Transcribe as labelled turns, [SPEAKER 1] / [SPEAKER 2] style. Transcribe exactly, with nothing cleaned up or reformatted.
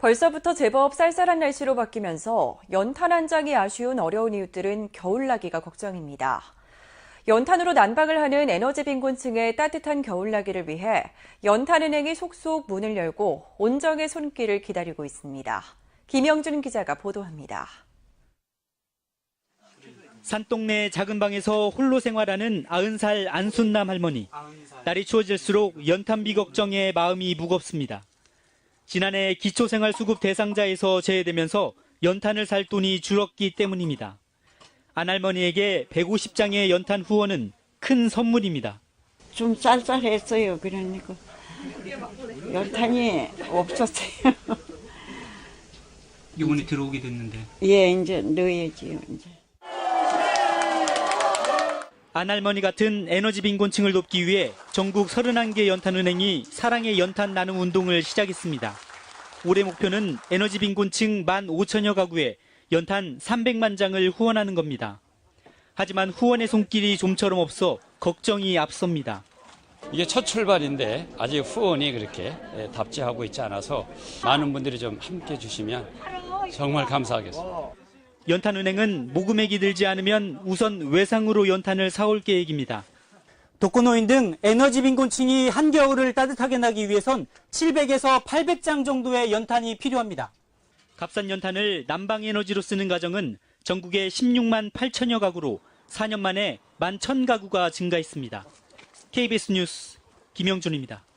[SPEAKER 1] 벌써부터 제법 쌀쌀한 날씨로 바뀌면서 연탄 한 장이 아쉬운 어려운 이웃들은 겨울나기가 걱정입니다. 연탄으로 난방을 하는 에너지 빈곤층의 따뜻한 겨울나기를 위해 연탄은행이 속속 문을 열고 온정의 손길을 기다리고 있습니다. 김영준 기자가 보도합니다.
[SPEAKER 2] 산동네 작은 방에서 홀로 생활하는 아흔 살 안순남 할머니. 날이 추워질수록 연탄비 걱정에 마음이 무겁습니다. 지난해 기초생활수급 대상자에서 제외되면서 연탄을 살 돈이 줄었기 때문입니다. 안 할머니에게 백오십 장의 연탄 후원은 큰 선물입니다.
[SPEAKER 3] 좀 쌀쌀했어요. 그러니까 연탄이 없었어요.
[SPEAKER 2] 이번에 들어오게 됐는데.
[SPEAKER 3] 예, 이제 넣어야지요. 이제.
[SPEAKER 2] 안 할머니 같은 에너지 빈곤층을 돕기 위해 전국 서른한 개 연탄은행이 사랑의 연탄 나눔 운동을 시작했습니다. 올해 목표는 에너지 빈곤층 만 오천여 가구에 연탄 삼백만 장을 후원하는 겁니다. 하지만 후원의 손길이 좀처럼 없어 걱정이 앞섭니다.
[SPEAKER 4] 이게 첫 출발인데 아직 후원이 그렇게 답지하고 있지 않아서 많은 분들이 좀 함께 주시면 정말 감사하겠습니다.
[SPEAKER 2] 연탄은행은 모금액이 들지 않으면 우선 외상으로 연탄을 사올 계획입니다. 독거노인 등 에너지 빈곤층이 한겨울을 따뜻하게 나기 위해선 칠백에서 팔백 장 정도의 연탄이 필요합니다. 값싼 연탄을 난방 에너지로 쓰는 가정은 전국에 십육만 팔천여 가구로 사 년 만에 만 천 가구가 증가했습니다. 케이비에스 뉴스 김영준입니다.